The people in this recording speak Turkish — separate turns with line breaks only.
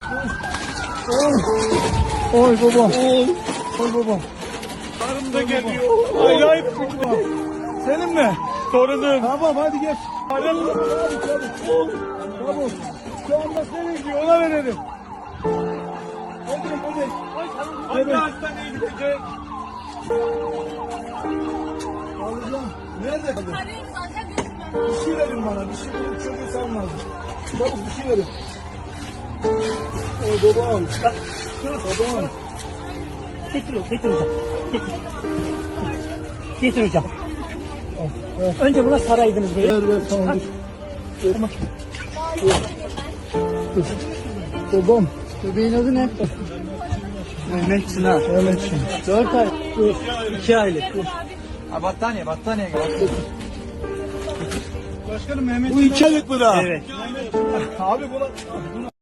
Oy babam. Oy babam.
Karım da geliyor. Acayip baba.
Senin mi?
Torunum.
Tamam hadi geç.
Karım.
Tamam. Şu anda senin diyor ona verelim. Hadi hadi.
Hangi hastaneye gidecek?
Alacağım. Nerede?
Arıyorum zaten gözükmüyor.
Bir şey verin bana. Bir şey verin. Çocuğu sen lazım. Çabuk bir şey verin. Oy babam. Babam.
Getir hocam. Getir hocam. Önce buna saraydınız böyle.
Ver tamam dur. Tamam. Babam.
Bebeğin adı ne? Mehmet Çınar.
Evet şimdi.
4 ay. 2 aylık.
Ha, battaniye gel.
Başkanım Mehmet. Bu 2 aylık mı daha?
Evet.
Abi buna